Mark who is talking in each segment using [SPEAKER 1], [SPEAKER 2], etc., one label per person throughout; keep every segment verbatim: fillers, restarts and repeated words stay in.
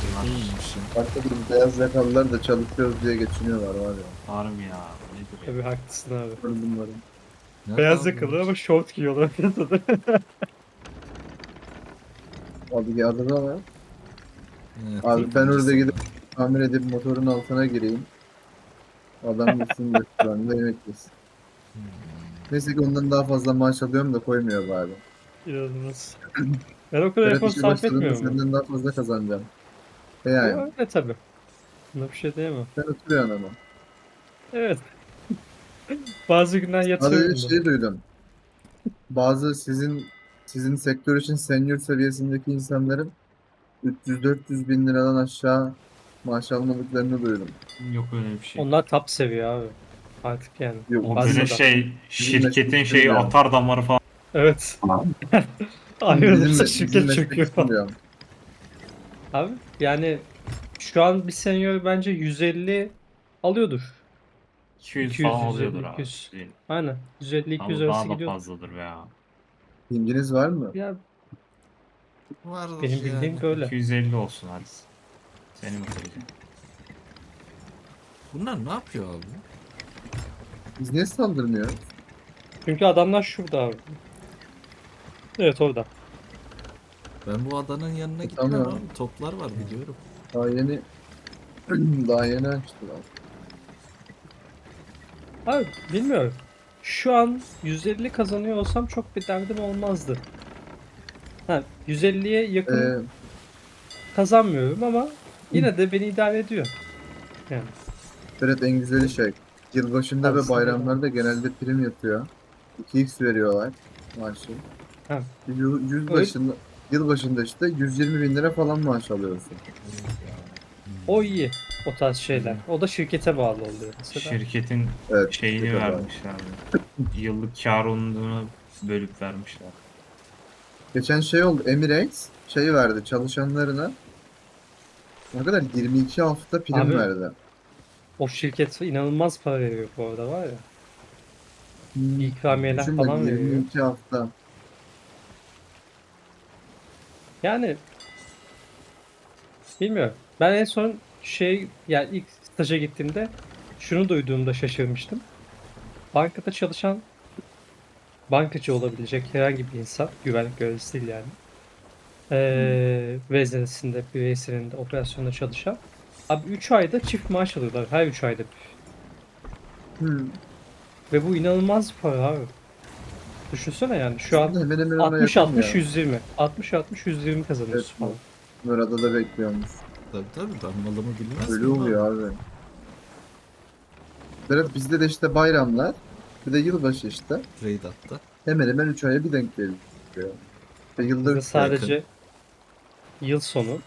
[SPEAKER 1] bunlar.
[SPEAKER 2] İyiymiş ya.
[SPEAKER 3] Başka bir beyaz yakalılar da çalışıyoruz diye geçiniyorlar var ya.
[SPEAKER 1] Harbi ya. Nedir ya?
[SPEAKER 4] Tabii haklısın abi.
[SPEAKER 3] Gördüm bunları.
[SPEAKER 2] Nerede
[SPEAKER 4] Beyaz
[SPEAKER 2] abi
[SPEAKER 4] yakalı
[SPEAKER 2] bunlar?
[SPEAKER 4] ama şort giyiyorlar piyasada.
[SPEAKER 3] Abi geldi da var.
[SPEAKER 2] Evet,
[SPEAKER 3] Abi ben
[SPEAKER 2] yapımcısı
[SPEAKER 3] orada gidip
[SPEAKER 2] var.
[SPEAKER 3] tamir edip motorun altına gireyim. Adam gitsin restoranda yemek yesin. Neyse ki ondan daha fazla maaş alıyorum da koymuyor bari.
[SPEAKER 4] İnanılmaz. Ben o kadar
[SPEAKER 3] Berat
[SPEAKER 4] efor
[SPEAKER 3] işe
[SPEAKER 4] sarf
[SPEAKER 3] başladığında
[SPEAKER 4] etmiyorum mu?
[SPEAKER 3] senden daha fazla kazanacağım. E
[SPEAKER 4] O
[SPEAKER 3] yani.
[SPEAKER 4] öyle tabii. Buna bir şey diyemem.
[SPEAKER 3] Sen oturuyorsun ama.
[SPEAKER 4] Evet. Bazı günler
[SPEAKER 3] Sadece
[SPEAKER 4] yatıyorum da.
[SPEAKER 3] şey duydum. Bazı sizin sizin sektör için senior seviyesindeki insanların üç yüz dört yüz bin liradan aşağı maaş almadıklarını duydum.
[SPEAKER 1] Yok öyle bir şey.
[SPEAKER 4] Onlar top seviye abi. Artık yani.
[SPEAKER 3] Yok,
[SPEAKER 1] O
[SPEAKER 3] bizim,
[SPEAKER 1] böyle
[SPEAKER 4] Fazla da.
[SPEAKER 1] şey
[SPEAKER 3] bizim
[SPEAKER 1] şirketin
[SPEAKER 3] meslek
[SPEAKER 1] şeyi
[SPEAKER 3] diyorum.
[SPEAKER 1] atar damarı falan.
[SPEAKER 4] Evet.
[SPEAKER 3] Bizim,
[SPEAKER 4] Ayrılırsa
[SPEAKER 3] bizim
[SPEAKER 4] şirket
[SPEAKER 3] meslek
[SPEAKER 4] çöküyor
[SPEAKER 3] için
[SPEAKER 4] falan.
[SPEAKER 3] diyorum.
[SPEAKER 4] Abi yani şu an bir senior bence yüz elli alıyordur.
[SPEAKER 1] iki yüz
[SPEAKER 4] iki yüz,
[SPEAKER 1] falan alıyordur
[SPEAKER 4] yüz elli,
[SPEAKER 1] abi.
[SPEAKER 4] iki yüz. Aynen. yüz elli iki yüz
[SPEAKER 1] Ama
[SPEAKER 4] arası
[SPEAKER 1] daha da
[SPEAKER 4] gidiyordur.
[SPEAKER 1] fazladır ya.
[SPEAKER 3] İlginiz var mı?
[SPEAKER 4] Ya
[SPEAKER 2] Vardır
[SPEAKER 4] benim
[SPEAKER 2] yani.
[SPEAKER 4] bildiğim böyle.
[SPEAKER 1] iki yüz elli olsun hadi. Seni bitireceğim.
[SPEAKER 2] Bunlar ne yapıyor abi?
[SPEAKER 3] Biz niye saldırmıyoruz?
[SPEAKER 4] Çünkü adamlar şurada abi. Evet orada.
[SPEAKER 2] Ben bu adanın yanına gitmem
[SPEAKER 3] Tamam.
[SPEAKER 2] abi. Toplar var biliyorum.
[SPEAKER 3] Daha yeni daha yeni açtılar.
[SPEAKER 4] Abi bilmiyorum. Şu an yüz elli kazanıyor olsam çok bir derdim olmazdı. Ha, yüz elliye yakın
[SPEAKER 3] Ee,
[SPEAKER 4] kazanmıyorum ama yine de beni idare ediyor. Yani
[SPEAKER 3] Berat en güzeli şey. Yılbaşında ve
[SPEAKER 4] aslında
[SPEAKER 3] bayramlarda genelde prim yatıyor. iki x veriyorlar maaşı.
[SPEAKER 4] ha,
[SPEAKER 3] Yıl, yüz
[SPEAKER 4] öyle,
[SPEAKER 3] başında, yılbaşında işte yüz yirmi bin lira falan maaş alıyorsun.
[SPEAKER 4] o iyi o tarz şeyler. O da şirkete bağlı oluyor mesela.
[SPEAKER 1] Şirketin
[SPEAKER 3] Evet.
[SPEAKER 1] şeyini
[SPEAKER 3] şirkete bağlı.
[SPEAKER 1] vermişler. Yıllık kar onluğunu bölüp vermişler.
[SPEAKER 3] Geçen şey oldu. Emirates şey verdi çalışanlarına ne kadar yirmi iki hafta prim
[SPEAKER 4] Abi
[SPEAKER 3] verdi.
[SPEAKER 4] o şirket inanılmaz para veriyor bu arada var ya.
[SPEAKER 3] Hmm.
[SPEAKER 4] İkramiyeler
[SPEAKER 3] Düşün bak
[SPEAKER 4] falan veriyor.
[SPEAKER 3] yirmi iki hafta.
[SPEAKER 4] Yani bilmiyorum. Ben en son şey yani ilk staja gittiğimde şunu duyduğumda şaşırmıştım. Bankada çalışan bankacı olabilecek herhangi bir insan, güvenlik görevlisi değil yani. Ee, veznesinde, bireyselinde, operasyonda çalışan. Abi üç ayda çift maaş alıyorlar. Her üç ayda.
[SPEAKER 3] Hmm.
[SPEAKER 4] Ve bu inanılmaz bir para abi. Düşünsene yani şu an
[SPEAKER 3] Aslında hemen hemen ona
[SPEAKER 4] altmış
[SPEAKER 3] yakın
[SPEAKER 4] altmış
[SPEAKER 3] ya.
[SPEAKER 4] yüz yirmi. altmış altmış yüz yirmi
[SPEAKER 3] Evet,
[SPEAKER 4] kazanıyorsun falan.
[SPEAKER 3] Murat'ta da bekliyormuş.
[SPEAKER 2] Tabii tabii ben malımı bilmez
[SPEAKER 3] Öyle
[SPEAKER 2] miyim abi?
[SPEAKER 3] oluyor abi. Berat bizde de işte bayramlar bir de yılbaşı işte.
[SPEAKER 2] Raid attı.
[SPEAKER 3] Hemen hemen üç aya bir denk geliyor. Ve yılda
[SPEAKER 4] Bizde
[SPEAKER 3] üç kere.
[SPEAKER 4] sadece yıl sonu.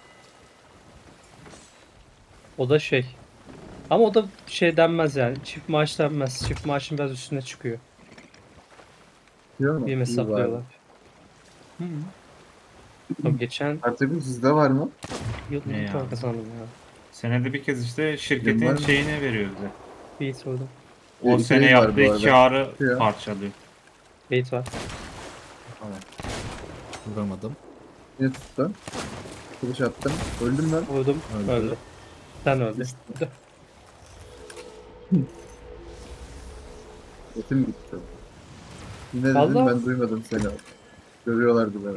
[SPEAKER 4] O da şey. Ama o da şey denmez yani. Çift maaş denmez. Çift maaşın biraz üstüne çıkıyor.
[SPEAKER 3] Diyor mu?
[SPEAKER 4] Bir
[SPEAKER 3] İyi bari.
[SPEAKER 4] hesaplıyorlar. Hı hı. Tabii geçen
[SPEAKER 3] Artık bu sizde var mı?
[SPEAKER 4] yıl
[SPEAKER 1] Ne
[SPEAKER 4] iyi
[SPEAKER 1] ya?
[SPEAKER 4] para kazandım ya.
[SPEAKER 1] Senede bir kez işte
[SPEAKER 3] Benim
[SPEAKER 1] şirketin
[SPEAKER 3] var mı?
[SPEAKER 1] şeyini veriyor bize.
[SPEAKER 4] Beyit orada.
[SPEAKER 1] O
[SPEAKER 3] Bir
[SPEAKER 1] sene
[SPEAKER 3] trade var bu
[SPEAKER 1] yaptığı
[SPEAKER 3] arada.
[SPEAKER 1] karı
[SPEAKER 3] Çıkıyor.
[SPEAKER 1] parçalıyor.
[SPEAKER 4] Beyit var.
[SPEAKER 2] Vuramadım.
[SPEAKER 3] Yine tuttu. Kılıç attım. Öldüm ben.
[SPEAKER 4] Vurdum.
[SPEAKER 2] Öldü.
[SPEAKER 4] Öldü. Sen öldü.
[SPEAKER 3] Etim gitti. Ne dedin
[SPEAKER 4] Vallahi
[SPEAKER 3] ben duymadım seni. Görüyorlardı beni.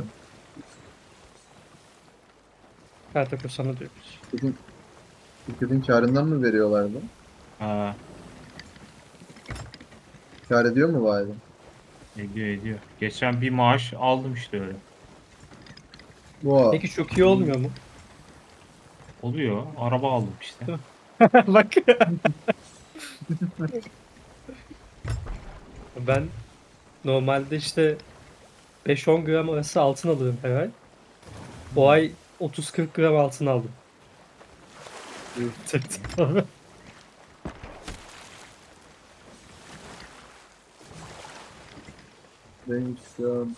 [SPEAKER 4] Kartakur sana diyoruz.
[SPEAKER 3] Şirketin, şirketin karından mı veriyorlardı?
[SPEAKER 1] Ha,
[SPEAKER 3] Kar ediyor mu bari?
[SPEAKER 1] ediyor ediyor. Geçen bir maaş aldım işte öyle.
[SPEAKER 3] Bu
[SPEAKER 4] Peki çok iyi olmuyor mu?
[SPEAKER 1] Oluyor. Araba aldım işte.
[SPEAKER 4] Bak. Ben normalde işte beş on gram arası altın alırım her ay. Bu ay otuz kırk gram altın aldım.
[SPEAKER 3] neymiş ya?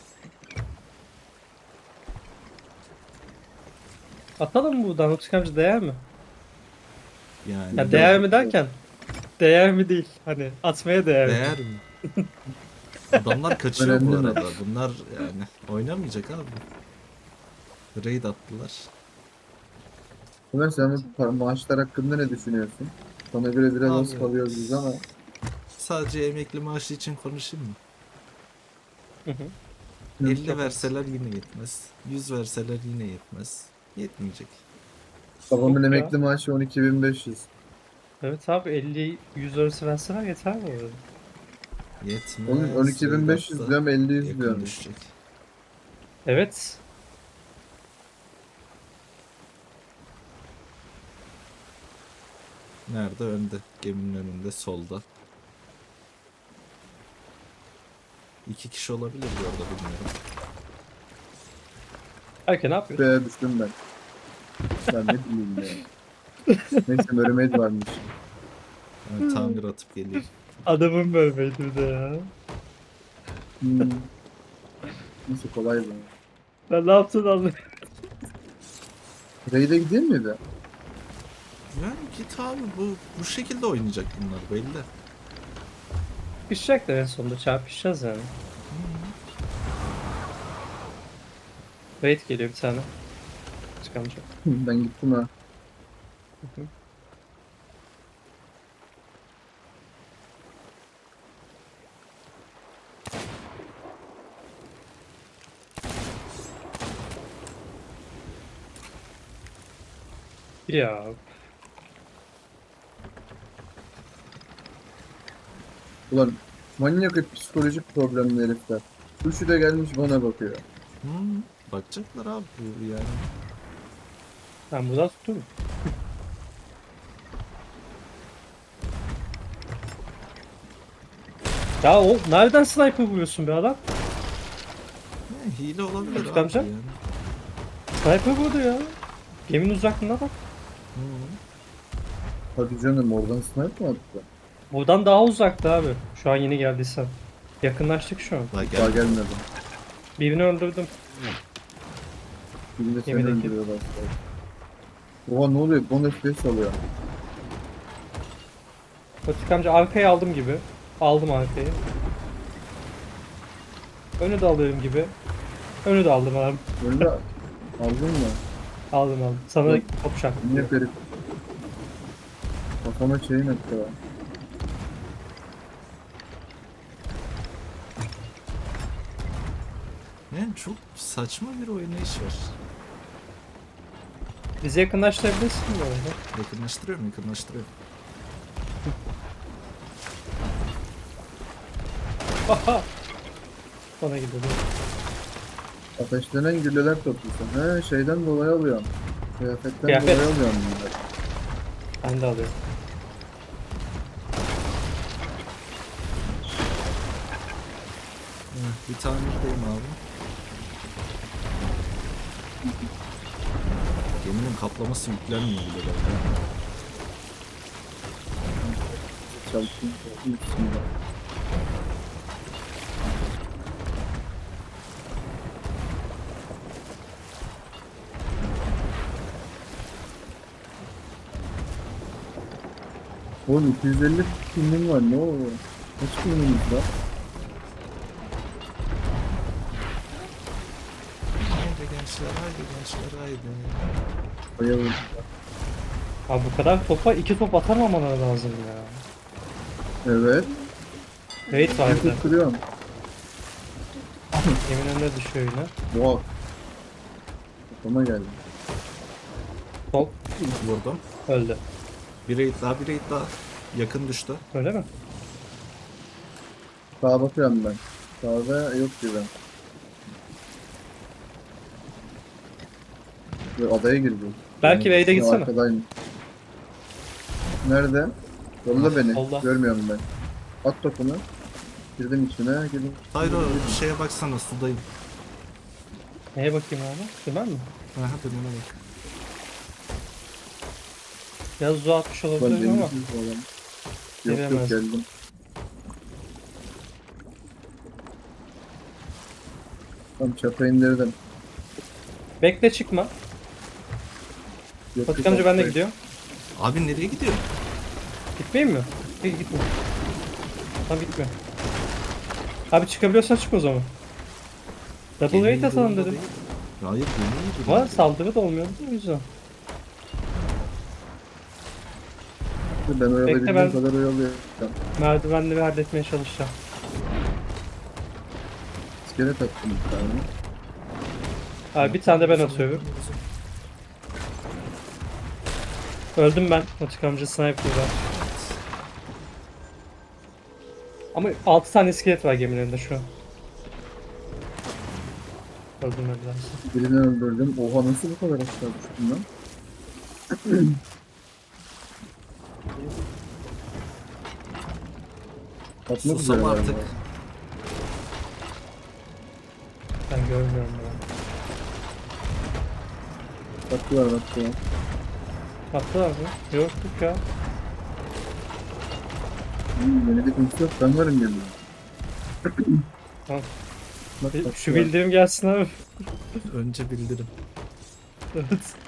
[SPEAKER 4] Atalım mı buradan? Utku amca değer mi?
[SPEAKER 2] Yani
[SPEAKER 4] Ya değer mi derken? Değer mi değil. Hani atmaya değer mi?
[SPEAKER 2] değer mi? Adamlar kaçıyor bu
[SPEAKER 3] Önemli mi?
[SPEAKER 2] arada. Bunlar yani oynamayacak abi. Raid attılar.
[SPEAKER 3] Ömer sen bu pa- maaşlar hakkında ne düşünüyorsun? Sana göre biraz az
[SPEAKER 2] Abi.
[SPEAKER 3] kalıyoruz biz ama
[SPEAKER 2] Sadece emekli maaşı için konuşayım mı?
[SPEAKER 4] Hı hı.
[SPEAKER 2] elli
[SPEAKER 4] Çok
[SPEAKER 2] verseler yine yetmez. yüz verseler yine yetmez. Yetmeyecek.
[SPEAKER 3] babamın
[SPEAKER 4] Yok ya.
[SPEAKER 3] emekli maaşı on iki bin beş yüz.
[SPEAKER 4] Evet abi elli yüz arası verseler yeter bu arada.
[SPEAKER 3] Onun
[SPEAKER 2] Yetmez.
[SPEAKER 3] on iki bin beş yüz
[SPEAKER 2] Hatta
[SPEAKER 3] diyorum elli yüz
[SPEAKER 2] yakın
[SPEAKER 3] diyorum.
[SPEAKER 2] düşecek.
[SPEAKER 4] Evet.
[SPEAKER 2] Nerede? Önde. Geminin önünde. Solda. İki kişi olabilir bu arada, bilmiyorum.
[SPEAKER 4] Erken ne yapıyorsun?
[SPEAKER 3] Şuraya düştüm ben. Ben ne bileyim ya. Neyse Mermaid varmış.
[SPEAKER 2] Yani tamir atıp geleyim.
[SPEAKER 4] Adamın bölmeydi bir de ya.
[SPEAKER 3] Hmm. Neyse kolay bu.
[SPEAKER 4] Ben ne yaptın anlamadım.
[SPEAKER 3] Raid'e gidiyor muydu?
[SPEAKER 2] Yani git abi, bu bu şekilde oynayacak bunlar belli.
[SPEAKER 4] Pişecek de en sonunda çarpışacağız yani. Wait geliyor bir tane. Çıkamayacak.
[SPEAKER 3] Ben gittim ha.
[SPEAKER 4] Hı hı. Ya
[SPEAKER 3] Ulan manyak psikolojik problemli herifler. Üçü de gelmiş bana bakıyor.
[SPEAKER 2] Hmm, bakacaklar abi bu yani.
[SPEAKER 4] ben buradan tuturum. Ya o nereden sniper vuruyorsun be adam?
[SPEAKER 2] Ne, hile olabilir
[SPEAKER 4] Özkan
[SPEAKER 2] abi
[SPEAKER 4] amca?
[SPEAKER 2] yani.
[SPEAKER 4] Sniper vurdu ya. Geminin uzaklığına bak.
[SPEAKER 2] Hmm.
[SPEAKER 3] Hadi canım oradan sniper mi attı?
[SPEAKER 4] Buradan daha uzakta abi. Şu an yeni geldiysen. Yakınlaştık şu an.
[SPEAKER 2] Daha
[SPEAKER 3] Daha
[SPEAKER 2] gel.
[SPEAKER 3] gelmedi.
[SPEAKER 4] Birini öldürdüm.
[SPEAKER 3] Şimdi seni
[SPEAKER 4] Gemideki.
[SPEAKER 3] öldürüyorlar. Oha ne oluyor? Bon F P S alıyor.
[SPEAKER 4] Patik amca arkayı aldım gibi. Aldım arkayı. Önü de alıyorum gibi. Önü de aldım abi.
[SPEAKER 3] Öyle aldın mı?
[SPEAKER 4] Aldım aldım. Sana da
[SPEAKER 3] Yok.
[SPEAKER 4] top şart.
[SPEAKER 3] Manyak herif. Kafama şeyin attı ya.
[SPEAKER 2] Yani çok saçma bir oynayış var.
[SPEAKER 4] Bizi yakınlaştırabilirsin bu arada.
[SPEAKER 2] Yakınlaştırıyorum, yakınlaştırıyorum.
[SPEAKER 4] Aha! Bana gidiyor.
[SPEAKER 3] Ateşlenen gülleler topluyorsun. He şeyden dolayı alıyorum. Kıyafetten
[SPEAKER 4] Kıyafet.
[SPEAKER 3] dolayı alıyorum bunları.
[SPEAKER 4] Ben de alıyorum.
[SPEAKER 2] Heh, bir tamirdeyim abi. Geminin kaplaması yüklenmiyor bile galiba.
[SPEAKER 3] Çalıştım. Bismillah. Oğlum iki yüz elli filmim var ne o? Kaç filmimiz var?
[SPEAKER 2] Haydi gençler, haydi gençler, haydi.
[SPEAKER 3] Bayıldım.
[SPEAKER 4] Abi bu kadar topa iki top atamamaları lazım ya.
[SPEAKER 3] Evet.
[SPEAKER 4] Wait var bir de.
[SPEAKER 3] Bir kırıyorum.
[SPEAKER 4] Yemin önüne düşüyor yine.
[SPEAKER 3] Wow. Kafama geldi.
[SPEAKER 4] Top
[SPEAKER 2] Vurdum.
[SPEAKER 4] öldü.
[SPEAKER 2] Bir raid daha, bir raid daha. Yakın düştü.
[SPEAKER 4] Öyle mi?
[SPEAKER 3] Sağa bakıyorum ben. Sağda yok gibi. Ve adaya girdi.
[SPEAKER 4] Belki Wade'e
[SPEAKER 3] Ya
[SPEAKER 4] gitsene.
[SPEAKER 3] arkadaymış. Nerede? Yolla beni.
[SPEAKER 4] Solda.
[SPEAKER 3] Görmüyorum ben. At topunu. Girdim içine. Girdim.
[SPEAKER 2] Hayır, o şeye baksana, sudayım.
[SPEAKER 4] Neye bakayım abi? Dümen mi?
[SPEAKER 2] Aha, dönüme bak.
[SPEAKER 4] Biraz uzağa atmış
[SPEAKER 3] Ben
[SPEAKER 4] olabilirim ama.
[SPEAKER 3] denizsiz falan. Yok yok
[SPEAKER 4] Giremez.
[SPEAKER 3] geldim. Tam çapa indirdim.
[SPEAKER 4] Bekle çıkma.
[SPEAKER 3] Yok,
[SPEAKER 4] Patik
[SPEAKER 3] yok,
[SPEAKER 4] amca ben de
[SPEAKER 3] yok.
[SPEAKER 4] gidiyorum.
[SPEAKER 2] Abi nereye gidiyor?
[SPEAKER 4] Gitmeyeyim mi? Git gitme. Tamam gitme. Abi çıkabiliyorsan çık o zaman. Double
[SPEAKER 2] Gemiyi
[SPEAKER 4] weight atalım
[SPEAKER 2] durumda
[SPEAKER 4] dedim.
[SPEAKER 2] değil. Hayır, gemiyi durumda
[SPEAKER 4] Ama
[SPEAKER 2] değil.
[SPEAKER 4] saldırı da olmuyordu o yüzden.
[SPEAKER 3] Ben oyalayabildiğim
[SPEAKER 4] ben-
[SPEAKER 3] kadar oyalıyorum.
[SPEAKER 4] Merdivenleri halletmeye çalışacağım.
[SPEAKER 3] İskelet attım bir tane.
[SPEAKER 4] Abi bir tane de ben atıyorum. Öldüm ben. Otik amca sniper'da. Ama altı tane iskelet var gemilerinde şu an. Öldüm öldüler.
[SPEAKER 3] Birini öldürdüm. Oha nasıl bu kadar aşağı düştüm lan? Atmak
[SPEAKER 2] Susam
[SPEAKER 3] üzere
[SPEAKER 2] artık.
[SPEAKER 3] galiba.
[SPEAKER 4] Ben görmüyorum ya.
[SPEAKER 3] Baktılar baktılar.
[SPEAKER 4] Attılar mı? Yok yok ya.
[SPEAKER 3] Hmm, beni de kimse yok. Ben varım yanında.
[SPEAKER 4] Tamam.
[SPEAKER 3] Bak,
[SPEAKER 4] Bir-
[SPEAKER 3] baktılar.
[SPEAKER 4] Şu bildiğim gelsin abi.
[SPEAKER 2] Önce bildirim.
[SPEAKER 4] Evet.